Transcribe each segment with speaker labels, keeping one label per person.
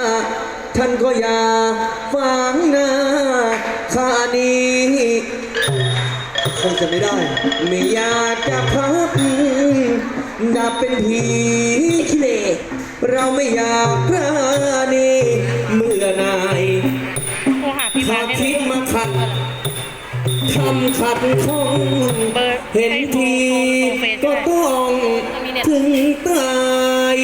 Speaker 1: ท่านก็อย่าฟังนะข้านี้คงจะไม่ได้ไม่อยากจะพับดับเป็นผีขี้เหร่เราไม่อยากพระนีเมื่อนายถ้าคิดมาขัดทำขัดข้องเห็นทีก็ต้องถึงตาย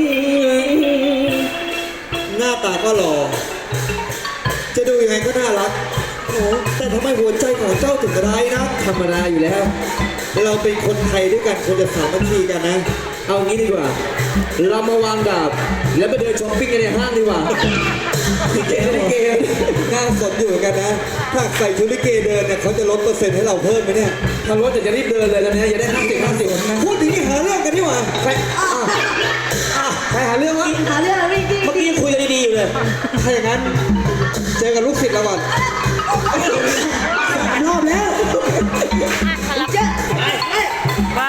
Speaker 1: หน้าตาก็หล่อจะดูยังไงก็น่ารักโอ้แต่ทำไมหัวใจของเจ้าถึงร้ายนะธรรมดาอยู่แล้วเราเป็นคนไทยด้วยกันควรจะสามัคคีกันนะเอางี้ดีกว่าเรามาวางดาบแล้วไปเดินช้อปปิ้งกันในห้างดีกว่าลิเกน่าสนอยู่กันนะถ้าใส่ชุดลิเกเดินเนี่ยเขาจะลดเปอร์เซ็นต์ให้เราเพิ่มไหมเนี่ยถ้าลดจะรีบเดินเลยตอนนี้อย่าได้50พูดถึงนี่หาเรื่องกันดีกว่าใครหาเรื่องวะ
Speaker 2: หาเรื่องวิ่ง
Speaker 1: เมื่อกี้คุยกันดีๆอยู่เลยถ้าอย่างนั้นเจอกับลูกศิษย์เราก่อนรอบแล้ว
Speaker 2: เจ๊
Speaker 3: ว่า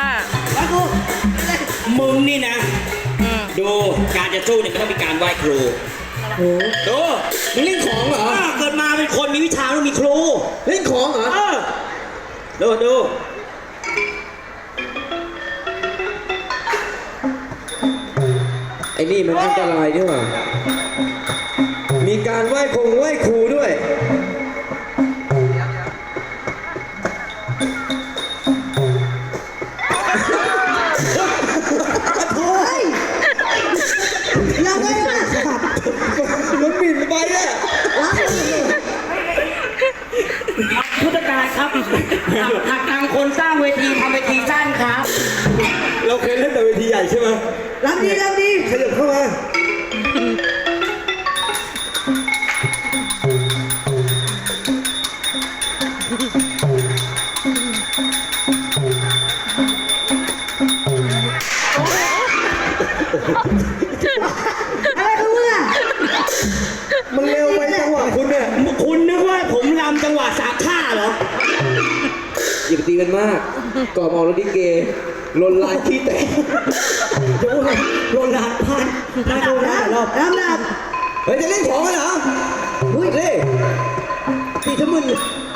Speaker 4: มึงนี่นะดูการจะสู้เนี่ยมันต้องมีการไหว้ครู
Speaker 1: ดูมึงเล่นของเหรอ
Speaker 4: เกิดมาเป็นคนมีวิชาต้องมีครู
Speaker 1: เล่นของเหรอ
Speaker 4: ดู
Speaker 1: ไอ้นี่มันอันตรายด้วยว่ะมีการไหว้ครูด้วย
Speaker 2: ยังไงล่ะ
Speaker 1: มันบินไปอ่ะ
Speaker 4: พุทธการครับทางคนสร้างเวทีทำเวทีสั้นครับ
Speaker 1: เราเคยเล่นแต่เวทีใหญ่ใช่ไหม
Speaker 2: ลำดี
Speaker 1: ขยับเข้ามา
Speaker 2: อะไรของมึงอ่ะ
Speaker 1: มันเร็วไปจังหวะคุณเนี่ย
Speaker 4: คุณนึกว่าผมรำจังหวะสามท่าเหรอ
Speaker 1: อย่าไปตีกันมากก่อมองรถดิเกลนลายขี้แตก
Speaker 4: โดนลานพันน่าดูนะรอบ
Speaker 2: น้ำ
Speaker 1: เฮ้ยจะเล่นของกันเหรออุ้ยเล่ตีทำมึน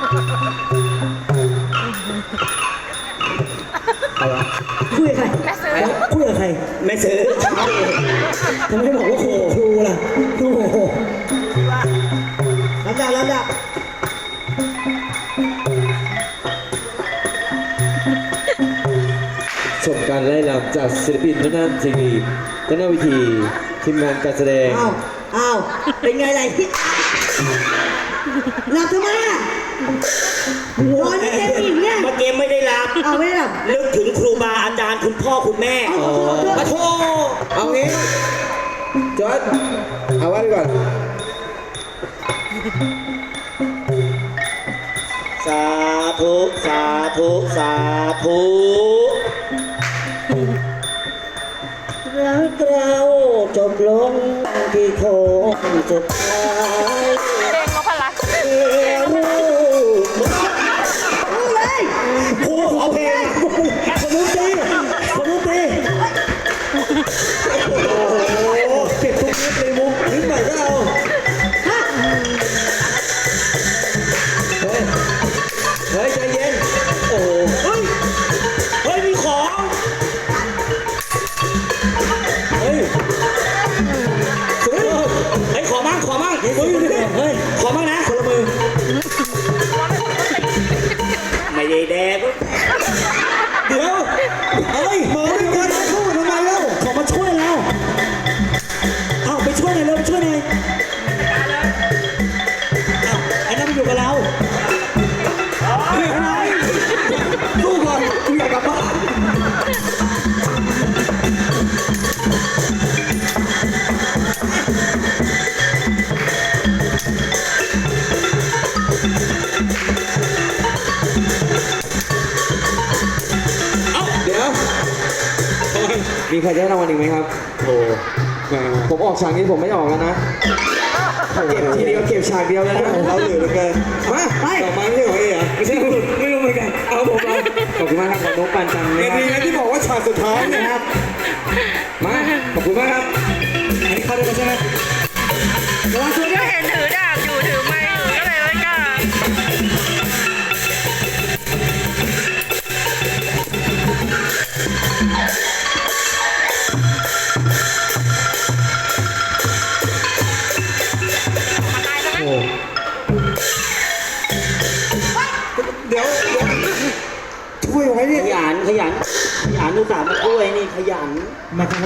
Speaker 2: คุยกับใครคุยกับใคร
Speaker 4: ไม่ซื้อ
Speaker 2: ทำไมไม่บอกว่าครูล่ะโอ้โหลำดับ
Speaker 1: ชมการไล่ลำจากศิลปินทางด้านทีวีทางด้านวิธีทีมงานการแสดง
Speaker 2: อ้าวเป็นไงล่ะหลับทำไมอ่ะนอนนี่เกมอีกเนี่ย
Speaker 4: มาเกมไม่ได้รับ
Speaker 2: ไม่ได้รับ
Speaker 4: นึกถึงครูบาอาจารย์คุณพ่อคุณแม่
Speaker 1: มาโทเอางี้จอร์จเอาไว้ก่อน
Speaker 4: สาธุสาธุสาธุรักเราจบลงที่โค้งสุดท้าย
Speaker 3: เพลงนพรัตน์
Speaker 4: ครูขอเพลง
Speaker 2: สมุตีโอ้โห
Speaker 1: เก็บทุกนิดเลยมุกนิดหน่อยก็เอาเฮ้ยใจเย็นโอ้
Speaker 4: เฮ้ยมีของ
Speaker 1: เฮ้ย
Speaker 4: ขอมั่งเฮ้ยขอมั่งนะ
Speaker 1: คนละมือ
Speaker 4: ไม่ได้แดก
Speaker 1: เดี๋ยวเฮ้ยมาด้วยกันพูดทำไมเล่า
Speaker 4: ขอมาช่วยเราเอาไปช่วยหน่อยเร็วไปช่วยหน่อยไอ้นั่นมันอยู่กับเรา
Speaker 1: สู้ก่อนกูอยากกลับบ้านมีใครจะให้รางวัลอีกไหมครับโอ้ผมออกฉากนี้ผมไม่ออกแล้วนะเก็บทีเดียวเก็บฉากเดียวแล้วนะเราเหลือเหมือนกันมาต่อมาไม่ใช่ของเอ๋เหรอไม่ใช่ไม่รู้เหมือนกันเอาผมมาขอบคุณมากครับขอบน้องปันจังเลยดีนะที่บอกว่าฉากสุดท้ายนะครับมาขอบคุณมากครับอันนี้เข้าได้ใช่ไหม
Speaker 4: ยันอุตส่าห์มาช่วยนี่ขยัน
Speaker 2: มาทำไม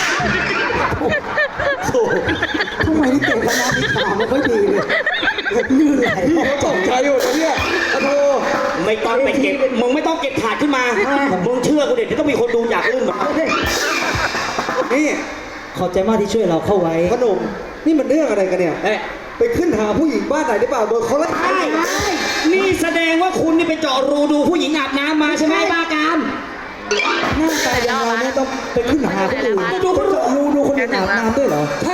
Speaker 4: โอ้
Speaker 2: ทำไมนี่เก่งขนาดนี้ตาไม่ค่อยดีเลยยืดไหล
Speaker 1: เขาตกใจอยู่นะเนี่ยโอ้โห
Speaker 4: ไม่ต้องไปเก็บมึงไม่ต้องเก็บถาดขึ้นมามึงเชื่อกูเด็ดจะต้องมีคนดูอยากลื่นหมด
Speaker 1: นี่
Speaker 2: ขอบใจมากที่ช่วยเราเข้าไว้
Speaker 1: ขนมนี่มันเรื่องอะไรกันเนี่ย
Speaker 4: เอ๊ะ
Speaker 1: ไปขึ้นหาผู้หญิงบ้านไหนหรือเปล่าโดนเขาไล่
Speaker 4: ใช่นี่แสดงว่าคุณนี่ไปเจาะรูดูผู้หญิงอาบน้ำมาใช่ไหมบ้ากาม
Speaker 2: หน้าตาอย่างเราเนี่ยต้องไปขึ้นหาคนอื่นดูคนอื่นดูคนอื่นอาบน้ำด้วยเหรอ